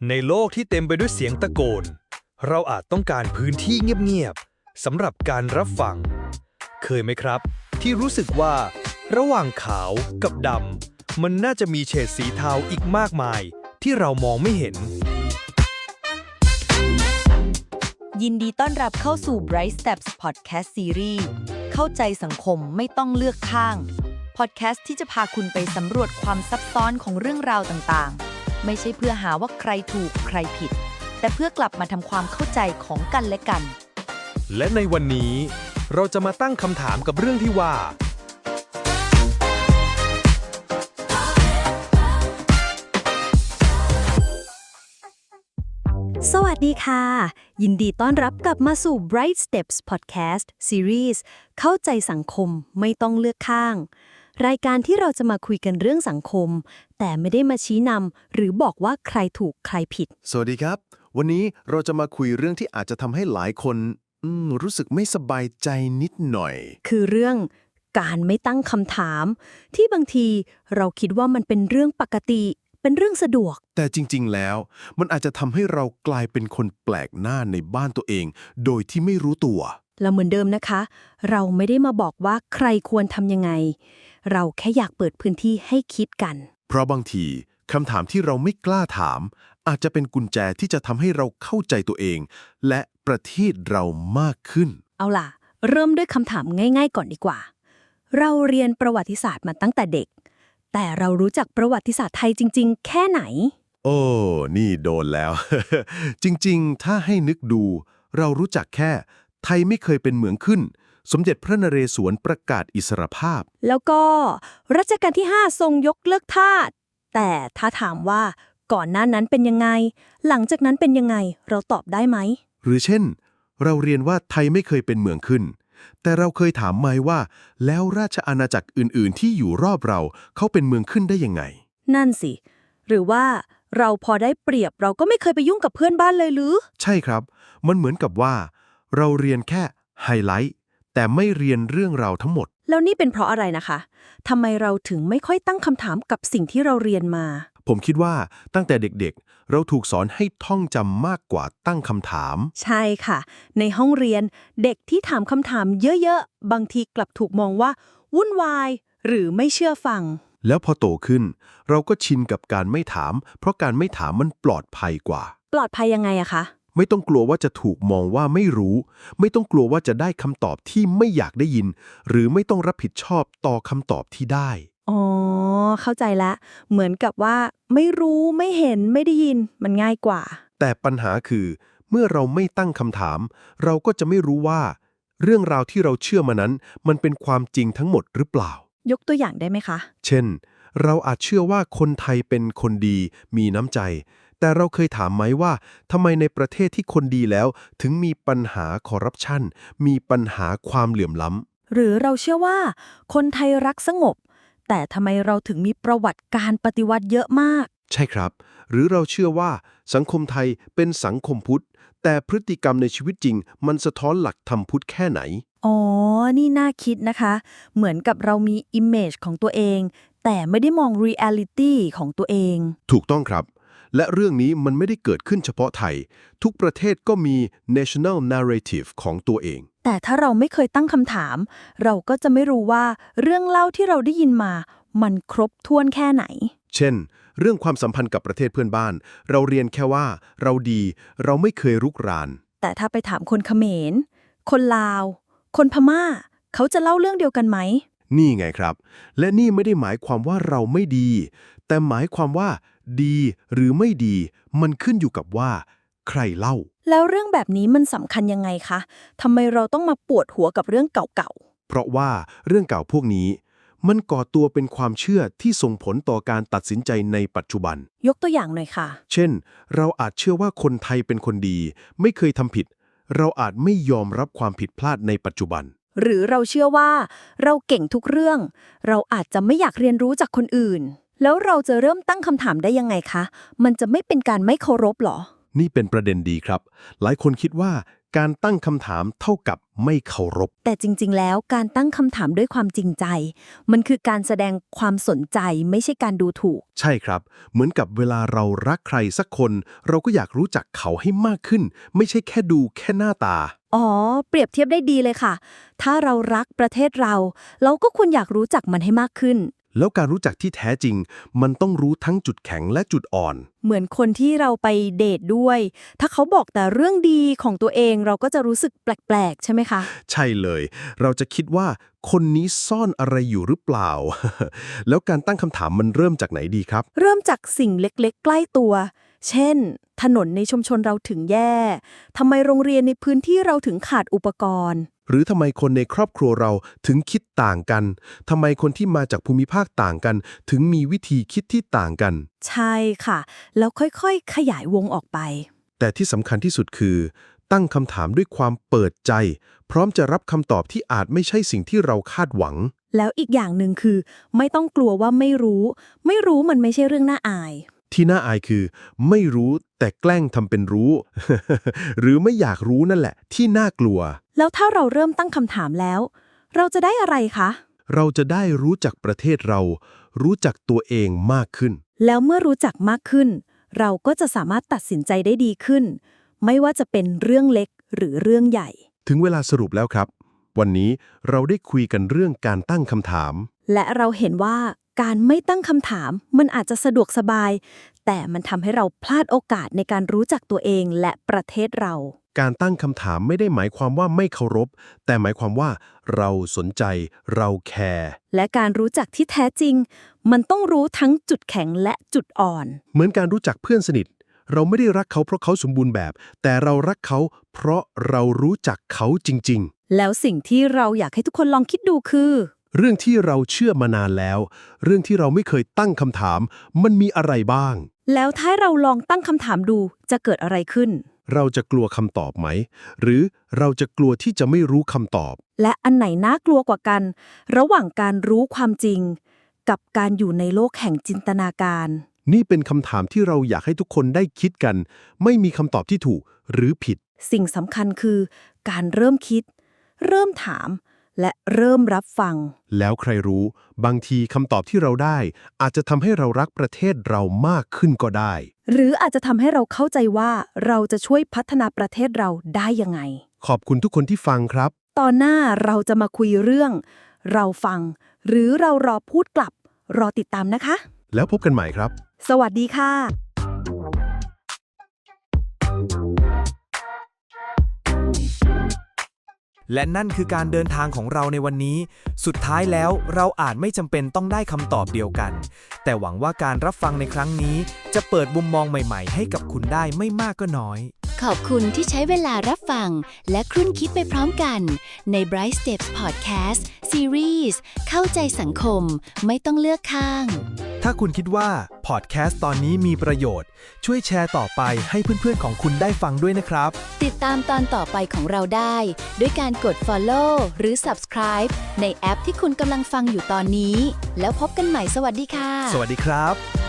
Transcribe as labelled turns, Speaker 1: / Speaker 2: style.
Speaker 1: ในโลกที่เต็มไปด้วยเสียงตะโกนเราอาจต้องการพื้นที่เงียบๆสำหรับการรับฟังเคยไหมครับที่รู้สึกว่าระหว่างขาวกับดำมันน่าจะมีเฉดสีเทาอีกมากมายที่เรามองไม่เห็น
Speaker 2: ยินดีต้อนรับเข้าสู่ Bright Steps Podcast Series เข้าใจสังคมไม่ต้องเลือกข้าง Podcast ที่จะพาคุณไปสำรวจความซับซ้อนของเรื่องราวต่างๆไม่ใช่เพื่อหาว่าใครถูกใครผิดแต่เพื่อกลับมาทำความเข้าใจของกันและกัน
Speaker 1: และในวันนี้เราจะมาตั้งคำถามกับเรื่องที่ว่า
Speaker 3: สวัสดีค่ะยินดีต้อนรับกลับมาสู่ Bright Steps Podcast Series เข้าใจสังคมไม่ต้องเลือกข้างรายการที่เราจะมาคุยกันเรื่องสังคมแต่ไม่ได้มาชี้นำหรือบอกว่าใครถูกใครผิด
Speaker 4: สวัสดีครับวันนี้เราจะมาคุยเรื่องที่อาจจะทำให้หลายคนรู้สึกไม่สบายใจนิดหน่อย
Speaker 3: คือเรื่องการไม่ตั้งคำถามที่บางทีเราคิดว่ามันเป็นเรื่องปกติเป็นเรื่องสะดวก
Speaker 4: แต่จริงๆแล้วมันอาจจะทำให้เรากลายเป็นคนแปลกหน้าในบ้านตัวเองโดยที่ไม่รู้ตัว
Speaker 3: แล้วเหมือนเดิมนะคะเราไม่ได้มาบอกว่าใครควรทำยังไงเราแค่อยากเปิดพื้นที่ให้คิดกัน
Speaker 4: เพราะบางทีคำถามที่เราไม่กล้าถามอาจจะเป็นกุญแจที่จะทำให้เราเข้าใจตัวเองและประเทศเรามากขึ้น
Speaker 3: เอาล่ะเริ่มด้วยคำถามง่ายๆก่อนดีกว่าเราเรียนประวัติศาสตร์มาตั้งแต่เด็กแต่เรารู้จักประวัติศาสตร์ไทยจริงๆแค่ไหน
Speaker 4: โอ้นี่โดนแล้ว จริงๆถ้าให้นึกดูเรารู้จักแค่ไทยไม่เคยเป็นเหมืองขึ้นสมเด็จพระนเรศวรประกาศอิสรภาพ
Speaker 3: แล้วก็รัชกาลที่5ทรงยกเลิกทาสแต่ถ้าถามว่าก่อนหน้านั้นเป็นยังไงหลังจากนั้นเป็นยังไงเราตอบได้ไหม
Speaker 4: หรือเช่นเราเรียนว่าไทยไม่เคยเป็นเมืองขึ้นแต่เราเคยถามไหมว่าแล้วราชอาณาจักรอื่นๆที่อยู่รอบเราเขาเป็นเมืองขึ้นได้ยังไง
Speaker 3: นั่นสิหรือว่าเราพอได้เปรียบเราก็ไม่เคยไปยุ่งกับเพื่อนบ้านเลยหรือ
Speaker 4: ใช่ครับมันเหมือนกับว่าเราเรียนแค่ไฮไลท์แต่ไม่เรียนเรื่องราวทั้งหมด
Speaker 3: แล้วนี่เป็นเพราะอะไรนะคะทำไมเราถึงไม่ค่อยตั้งคำถามกับสิ่งที่เราเรียนมา
Speaker 4: ผมคิดว่าตั้งแต่เด็กๆเราถูกสอนให้ท่องจำมากกว่าตั้งคำถาม
Speaker 3: ใช่ค่ะในห้องเรียนเด็กที่ถามคำถามเยอะๆบางทีกลับถูกมองว่าวุ่นวายหรือไม่เชื่อฟัง
Speaker 4: แล้วพอโตขึ้นเราก็ชินกับการไม่ถามเพราะการไม่ถามมันปลอดภัยกว่า
Speaker 3: ปลอดภัยยังไงอะคะ
Speaker 4: ไม่ต้องกลัวว่าจะถูกมองว่าไม่รู้ไม่ต้องกลัวว่าจะได้คำตอบที่ไม่อยากได้ยินหรือไม่ต้องรับผิดชอบต่อคำตอบที่ได้
Speaker 3: อ๋อเข้าใจแล้วเหมือนกับว่าไม่รู้ไม่เห็นไม่ได้ยินมันง่ายกว่า
Speaker 4: แต่ปัญหาคือเมื่อเราไม่ตั้งคำถามเราก็จะไม่รู้ว่าเรื่องราวที่เราเชื่อมานั้นมันเป็นความจริงทั้งหมดหรือเปล่าย
Speaker 3: กตัวอย่างได้ไหมคะ
Speaker 4: เช่นเราอาจเชื่อว่าคนไทยเป็นคนดีมีน้ำใจแต่เราเคยถามไหมว่าทำไมในประเทศที่คนดีแล้วถึงมีปัญหาคอร์รัปชันมีปัญหาความเหลื่อมล้
Speaker 3: ำหรือเราเชื่อว่าคนไทยรักสงบแต่ทำไมเราถึงมีประวัติการปฏิวัติเยอะมาก
Speaker 4: ใช่ครับหรือเราเชื่อว่าสังคมไทยเป็นสังคมพุทธแต่พฤติกรรมในชีวิตจริงมันสะท้อนหลักธรรมพุทธแค่ไหน
Speaker 3: อ๋อนี่น่าคิดนะคะเหมือนกับเรามี image ของตัวเองแต่ไม่ได้มอง reality ของตัวเอง
Speaker 4: ถูกต้องครับและเรื่องนี้มันไม่ได้เกิดขึ้นเฉพาะไทยทุกประเทศก็มี national narrative ของตัวเอง
Speaker 3: แต่ถ้าเราไม่เคยตั้งคำถามเราก็จะไม่รู้ว่าเรื่องเล่าที่เราได้ยินมามันครบถ้วนแค่ไหน
Speaker 4: เช่นเรื่องความสัมพันธ์กับประเทศเพื่อนบ้านเราเรียนแค่ว่าเราดีเราไม่เคยรุกราน
Speaker 3: แต่ถ้าไปถามคนเขมรคนลาวคนพม่าเขาจะเล่าเรื่องเดียวกันไหม
Speaker 4: นี่ไงครับและนี่ไม่ได้หมายความว่าเราไม่ดีแต่หมายความว่าดีหรือไม่ดีมันขึ้นอยู่กับว่าใครเล่า
Speaker 3: แล้วเรื่องแบบนี้มันสำคัญยังไงคะทำไมเราต้องมาปวดหัวกับเรื่องเก่า
Speaker 4: ๆเพราะว่าเรื่องเก่าพวกนี้มันก่อตัวเป็นความเชื่อที่ส่งผลต่อการตัดสินใจในปัจจุบัน
Speaker 3: ยกตัวอย่างหน่อยค่ะ
Speaker 4: เช่นเราอาจเชื่อว่าคนไทยเป็นคนดีไม่เคยทำผิดเราอาจไม่ยอมรับความผิดพลาดในปัจจุบัน
Speaker 3: หรือเราเชื่อว่าเราเก่งทุกเรื่องเราอาจจะไม่อยากเรียนรู้จากคนอื่นแล้วเราจะเริ่มตั้งคำถามได้ยังไงคะมันจะไม่เป็นการไม่เคารพหรอ
Speaker 4: นี่เป็นประเด็นดีครับหลายคนคิดว่าการตั้งคำถามเท่ากับไม่เคารพ
Speaker 3: แต่จริงๆแล้วการตั้งคำถามด้วยความจริงใจ มันคือการแสดงความสนใจไม่ใช่การดูถูก
Speaker 4: ใช่ครับ เหมือนกับเวลาเรารักใครสักคน เราก็อยากรู้จักเขาให้มากขึ้น ไม่ใช่แค่ดูแค่หน้าตา
Speaker 3: อ๋อ เปรียบเทียบได้ดีเลยค่ะ ถ้าเรารักประเทศเราก็ควรอยากรู้จักมันให้มากขึ้น
Speaker 4: แล้วการรู้จักที่แท้จริง มันต้องรู้ทั้งจุดแข็งและจุดอ่อน
Speaker 3: เหมือนคนที่เราไปเดทด้วย ถ้าเขาบอกแต่เรื่องดีของตัวเองเราก็จะรู้สึกแปลกๆใช่ไหมคะ
Speaker 4: ใช่เลย เราจะคิดว่าคนนี้ซ่อนอะไรอยู่หรือเปล่า แล้วการตั้งคำถามมันเริ่มจากไหนดีครับ
Speaker 3: เริ่มจากสิ่งเล็กๆ ใกล้ตัว เช่น ถนนในชุมชนเราถึงแย่ ทำไมโรงเรียนในพื้นที่เราถึงขาดอุปกรณ์
Speaker 4: หรือทำไมคนในครอบครัวเราถึงคิดต่างกัน ทำไมคนที่มาจากภูมิภาคต่างกัน ถึงมีวิธีคิดที่ต่างกัน
Speaker 3: ใช่ค่ะ แล้วค่อยๆ ขยายวงออกไป
Speaker 4: แต่ที่สำคัญที่สุดคือ ตั้งคำถามด้วยความเปิดใจ พร้อมจะรับคำตอบที่อาจไม่ใช่สิ่งที่เราคาดหวัง
Speaker 3: แล้วอีกอย่างหนึ่งคือ ไม่ต้องกลัวว่าไม่รู้มันไม่ใช่เรื่องน่าอาย
Speaker 4: ที่น่าอายคือ ไม่รู้แต่แกล้งทำเป็นรู้ หรือไม่อยากรู้นั่นแหละ ที่น่ากลัว
Speaker 3: แล้วถ้าเราเริ่มตั้งคำถามแล้ว เราจะได้อะไรคะ
Speaker 4: เราจะได้รู้จักประเทศเรา รู้จักตัวเองมากขึ้น
Speaker 3: แล้วเมื่อรู้จักมากขึ้น เราก็จะสามารถตัดสินใจได้ดีขึ้น ไม่ว่าจะเป็นเรื่องเล็กหรือเรื่องใหญ่
Speaker 4: ถึงเวลาสรุปแล้วครับ วันนี้เราได้คุยกันเรื่องการตั้งคำถาม
Speaker 3: และเราเห็นว่าการไม่ตั้งคำถามมันอาจจะสะดวกสบาย แต่มันทำให้เราพลาดโอกาสในการรู้จักตัวเองและประเทศเรา
Speaker 4: การตั้งคำถามไม่ได้หมายความว่าไม่เคารพ แต่หมายความว่าเราสนใจ เราแคร์
Speaker 3: และการรู้จักที่แท้จริง มันต้องรู้ทั้งจุดแข็งและจุดอ่อน
Speaker 4: เหมือนการรู้จักเพื่อนสนิท เราไม่ได้รักเขาเพราะเขาสมบูรณ์แบบ แต่เรารักเขาเพราะเรารู้จักเขาจริง
Speaker 3: แล้วสิ่งที่เราอยากให้ทุกคนลองคิดดูคือ
Speaker 4: ๆ เรื่องที่เราเชื่อมานานแล้ว เรื่องที่เราไม่เคยตั้งคำถาม มันมีอะไรบ้าง
Speaker 3: แล้วถ้าเราลองตั้งคำถามดูจะเกิดอะไรขึ้น
Speaker 4: เราจะกลัวคำตอบไหม หรือเราจะกลัวที่จะไม่รู้คำตอบ
Speaker 3: และอันไหนน่ากลัวกว่ากัน ระหว่างการรู้ความจริง กับการอยู่ในโลกแห่งจินตนาการ
Speaker 4: นี่เป็นคำถามที่เราอยากให้ทุกคนได้คิดกัน ไม่มีคำตอบที่ถูกหรือผิด
Speaker 3: สิ่งสำคัญคือ การเริ่มคิด เริ่มถาม และเริ่มรับฟัง
Speaker 4: แล้วใครรู้ บางทีคำตอบที่เราได้ อาจจะทำให้เรารักประเทศเรามากขึ้นก็ได้
Speaker 3: หรืออาจจะทำให้เราเข้าใจว่าเราจะช่วยพัฒนาประเทศเราได้ยังไง
Speaker 4: ขอบคุณทุกคนที่ฟังครับ
Speaker 3: ตอนหน้าเราจะมาคุยเรื่อง เราฟัง หรือเรารอพูดกลับ รอติดตามนะคะ
Speaker 4: แล้วพบกันใหม่ครับ
Speaker 3: สวัสดีค่ะ
Speaker 1: และนั่นคือการเดินทางของเราในวันนี้ สุดท้ายแล้วเราอาจไม่จำเป็นต้องได้คำตอบเดียวกัน แต่หวังว่าการรับฟังในครั้งนี้ จะเปิดมุมมองใหม่ๆ ให้กับคุณได้ไม่มากก็น้อย
Speaker 5: ขอบคุณที่ใช้เวลารับฟังและครุ่นคิดไปพร้อมกันใน Bright Steps Podcast Series เข้าใจสังคมไม่ต้องเลือกข้าง
Speaker 1: ถ้าคุณคิดว่าพอดแคสต์ตอนนี้มีประโยชน์ ช่วยแชร์ต่อไปให้เพื่อนๆของคุณได้ฟังด้วยนะครับ
Speaker 5: ติดตามตอนต่อไปของเราได้ด้วยการกด Follow หรือ Subscribe ในแอปที่คุณกำลังฟังอยู่ตอนนี้ แล้วพบกันใหม่สวัสดีค่ะ
Speaker 1: สวัสดีครับ